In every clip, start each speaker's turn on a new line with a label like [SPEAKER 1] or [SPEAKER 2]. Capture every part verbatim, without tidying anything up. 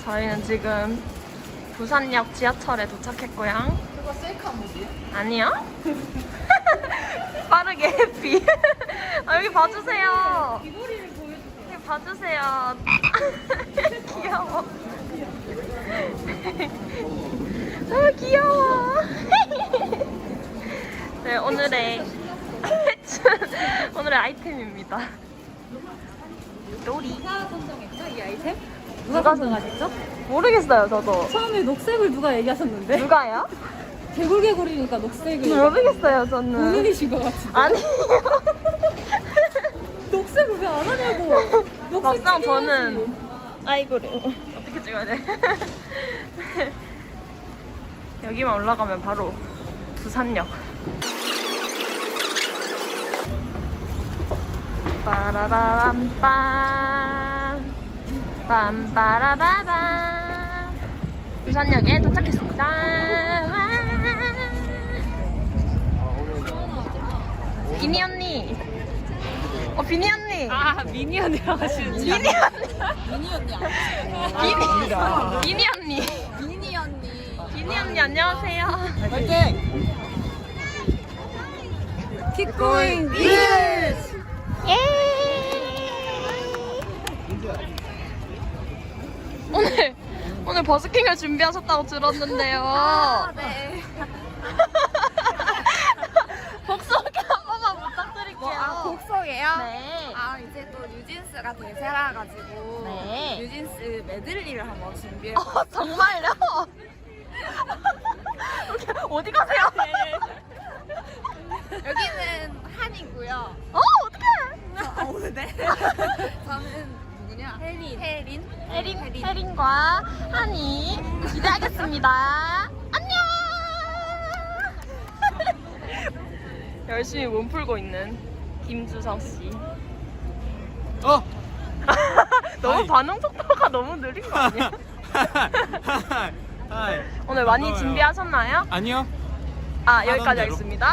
[SPEAKER 1] 저희는 지금 부산역 지하철에 도착했고요.
[SPEAKER 2] 그거 셀카 모드야?
[SPEAKER 1] 아니요? 빠르게 해피. 아, 여기 봐주세요.
[SPEAKER 2] 귀걸이를 보여주세요.
[SPEAKER 1] 여기 봐주세요. 귀여워. 아, 귀여워. 네, 오늘의 오늘의 아이템입니다. 놀이.
[SPEAKER 2] 누가 선정했죠? 이 아이템?
[SPEAKER 1] 누가
[SPEAKER 2] 누가 선정하셨죠?
[SPEAKER 1] 모르겠어요, 저도.
[SPEAKER 2] 처음에 녹색을 누가 얘기하셨는데?
[SPEAKER 1] 누가요?
[SPEAKER 2] 개굴개굴이니까 녹색을
[SPEAKER 1] 모르겠어요, 저는.
[SPEAKER 2] 본인이신 것 같은데?
[SPEAKER 1] 아니에요.
[SPEAKER 2] 녹색을 왜 안 하냐고! 녹색
[SPEAKER 1] 막상
[SPEAKER 2] 찍어야지.
[SPEAKER 1] 저는 아이고를 어떻게 찍어야 돼? 여기만 올라가면 바로 부산역. 빠라바람빰 빰빠라바밤 부산역에 도착했습니다. 와. 비니 언니. 어, 비니 언니.
[SPEAKER 2] 아, 미니 언니라고 하시는
[SPEAKER 1] 비니 언니.
[SPEAKER 2] 미니 언니 아니에요?
[SPEAKER 1] 비니, 비니 언니.
[SPEAKER 2] 미니 언니.
[SPEAKER 1] 비니 언니 안녕하세요.
[SPEAKER 3] 화이팅!
[SPEAKER 2] Keep going,
[SPEAKER 1] yes! 예! 오늘 오늘 버스킹을 준비하셨다고 들었는데요.
[SPEAKER 4] 아, 네.
[SPEAKER 1] 복수기 한 번만 부탁드릴게요.
[SPEAKER 4] 뭐, 아, 곡성이에요?
[SPEAKER 1] 네.
[SPEAKER 4] 아, 이제 또 뉴진스가 대세라가지고
[SPEAKER 1] 네.
[SPEAKER 4] 뉴진스 메들리를 한번 준비해
[SPEAKER 1] 어, 정말요? 어디 가세요?
[SPEAKER 4] 여기는 한이고요.
[SPEAKER 1] 어, 어떡해?
[SPEAKER 4] 아, 오늘 네. 저는 누구냐? 혜린. 혜린.
[SPEAKER 1] 혜린, 혜린과 한이 기대하겠습니다. 안녕! 열심히 몸 풀고 있는 김주성 씨.
[SPEAKER 3] 어!
[SPEAKER 1] 너무
[SPEAKER 3] 하이.
[SPEAKER 1] 반응 속도가 너무 느린 거 아니야?
[SPEAKER 3] 하이.
[SPEAKER 1] 오늘 많이
[SPEAKER 3] 반가워요.
[SPEAKER 1] 준비하셨나요?
[SPEAKER 3] 아니요.
[SPEAKER 1] 아, 여기까지
[SPEAKER 3] 대로.
[SPEAKER 1] 하겠습니다.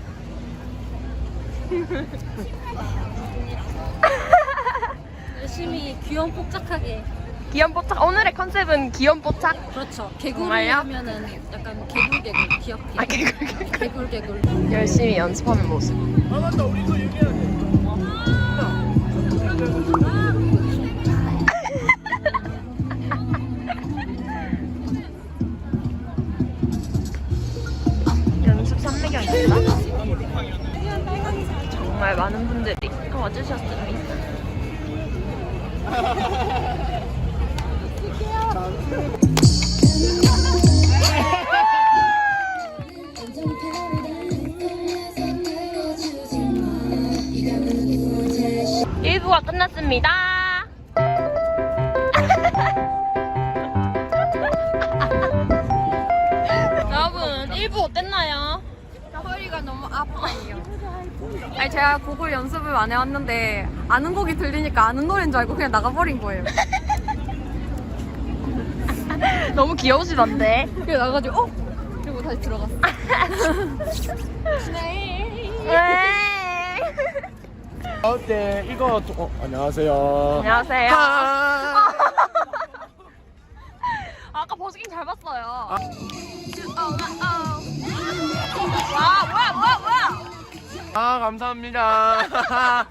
[SPEAKER 2] 열심히 귀염 뽀짝하게.
[SPEAKER 1] 귀염뽀짝. 오늘의 컨셉은 귀염뽀짝.
[SPEAKER 2] 그렇죠. 개구리
[SPEAKER 1] 정말요?
[SPEAKER 2] 하면은 약간 개굴개굴 귀엽게.
[SPEAKER 1] 아, 개굴.
[SPEAKER 2] 개굴개굴.
[SPEAKER 1] 열심히 연습하는 모습.
[SPEAKER 3] 아 맞다 우리도 얘기해야 돼.
[SPEAKER 1] 연습 삼매경입니다. 정말 많은 분들이 와주셨습니다. 일 부가 끝났습니다. 여러분, 일 부 어땠나요?
[SPEAKER 4] 허리가 너무 아파요. 아니, 제가 곡을 연습을 많이 해왔는데 아는 곡이 들리니까 아는 노래인 줄 알고 그냥 나가버린 거예요.
[SPEAKER 1] 너무 귀여우시던데.
[SPEAKER 4] 그래서 나가가지고 어? 그리고 다시 들어갔어.
[SPEAKER 1] 네.
[SPEAKER 3] 어때 이거 또- 어, 안녕하세요.
[SPEAKER 1] 안녕하세요.
[SPEAKER 3] 아,
[SPEAKER 1] 아까 버스킹 잘 봤어요.
[SPEAKER 3] 아.
[SPEAKER 1] 와, 뭐야, 뭐야, 뭐야.
[SPEAKER 3] 아 감사합니다.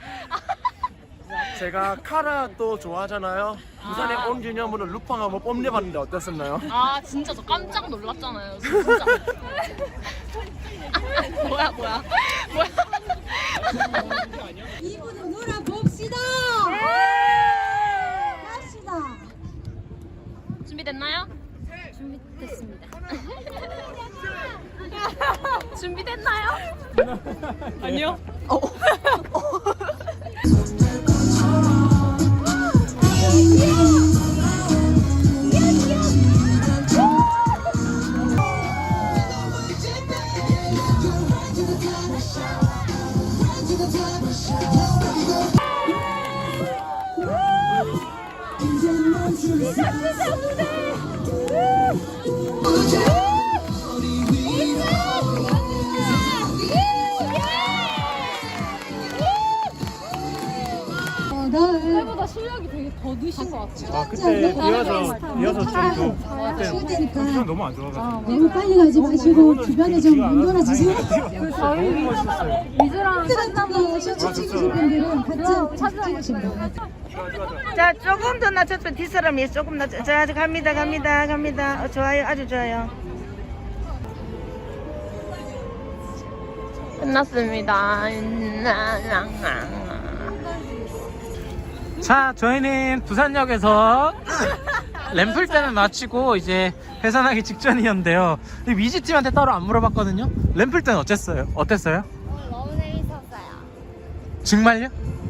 [SPEAKER 3] 제가 카라 또 좋아하잖아요. 부산에
[SPEAKER 1] 아.
[SPEAKER 3] 온 기념으로 루팡 한번 뽐내봤는데 어땠었나요?
[SPEAKER 1] 아, 진짜 저 깜짝 놀랐잖아요. 진짜. 뭐야, 뭐야. 뭐야.
[SPEAKER 5] 이분은 놀아봅시다. 갑시다.
[SPEAKER 1] 준비됐나요?
[SPEAKER 2] 준비됐습니다.
[SPEAKER 1] 준비됐나요?
[SPEAKER 3] 아니요.
[SPEAKER 1] 어.
[SPEAKER 2] 생각보다 실력이 되게 더디 누신 것 같아요.
[SPEAKER 6] 아 그때 비와서 비와서 좀 그때
[SPEAKER 5] 쉬울 테니까
[SPEAKER 6] 컨디션 너무 안 좋아가지고
[SPEAKER 5] 너무 빨리 가지 마시고 주변에 좀 뭉돌아주세요.
[SPEAKER 6] 너무 멋있었어요.
[SPEAKER 5] 미즈랑 셔츠 찍으실 분들은 같이 찍으시면 돼요.
[SPEAKER 7] 자, 조금 더 낮췄으면 뒷사람이 조금 낮. 자, 갑니다, 갑니다, 갑니다. 어, 좋아요, 아주 좋아요.
[SPEAKER 1] 끝났습니다.
[SPEAKER 8] 자, 저희는 부산역에서 램플 때는 마치고 이제 해산하기 직전이었는데요. 위지 팀한테 따로 안 물어봤거든요. 램플 때는 어땠어요? 어땠어요?
[SPEAKER 2] 너무 재밌었어요.
[SPEAKER 8] 정말요?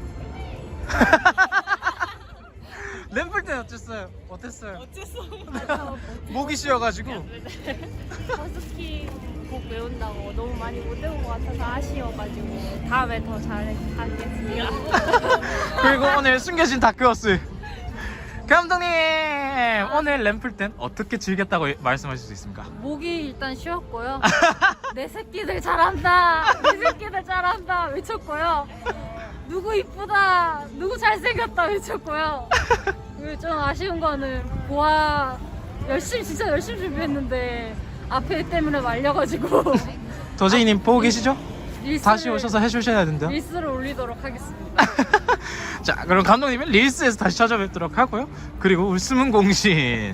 [SPEAKER 8] 램플 때는 어땠어요? 어땠어요? 어땠어? 목이 쉬어가지고.
[SPEAKER 9] 버스킹 곡 외운다고 너무 많이 못 외운 것 같아서 아쉬워가지고 다음에 더 잘하겠습니다.
[SPEAKER 8] 그리고 오늘 숨겨진 다크호스 감독님, 오늘 램플 땐 어떻게 즐겼다고 말씀하실 수 있습니까?
[SPEAKER 2] 목이 일단 쉬었고요. 내 새끼들 잘한다. 내 새끼들 잘한다 외쳤고요. 누구 이쁘다. 누구 잘생겼다 외쳤고요. 그리고 좀 아쉬운 거는 보아 열심히 진짜 열심히 준비했는데 앞에 때문에 말려가지고
[SPEAKER 8] 도재이님 보고 계시죠?
[SPEAKER 2] 릴스를,
[SPEAKER 8] 다시 오셔서 해주셔야 된대요.
[SPEAKER 2] 릴스를 올리도록 하겠습니다.
[SPEAKER 8] 자, 그럼 감독님은 릴스에서 다시 찾아뵙도록 하고요. 그리고 울스문 공신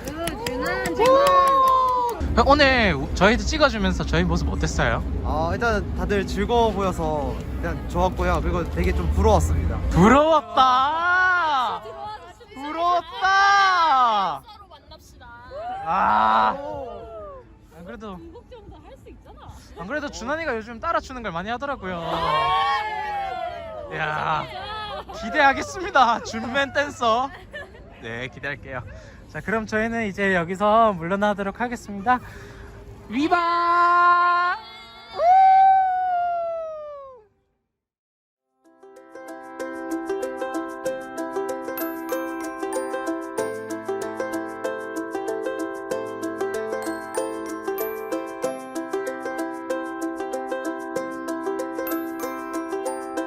[SPEAKER 8] 오늘 저희도 찍어주면서 저희 모습 어땠어요?
[SPEAKER 10] 어, 일단 다들 즐거워 보여서 그냥 좋았고요. 그리고 되게 좀 부러웠습니다.
[SPEAKER 8] 부러웠다. 부러웠다.
[SPEAKER 9] 서로 만납시다.
[SPEAKER 8] 아, 안 그래도 안 그래도 준환이가 요즘 따라추는 걸 많이 하더라고요. 야, 기대하겠습니다. 준맨 댄서. 네, 기대할게요. 자, 그럼 저희는 이제 여기서 물러나도록 하겠습니다. 위바.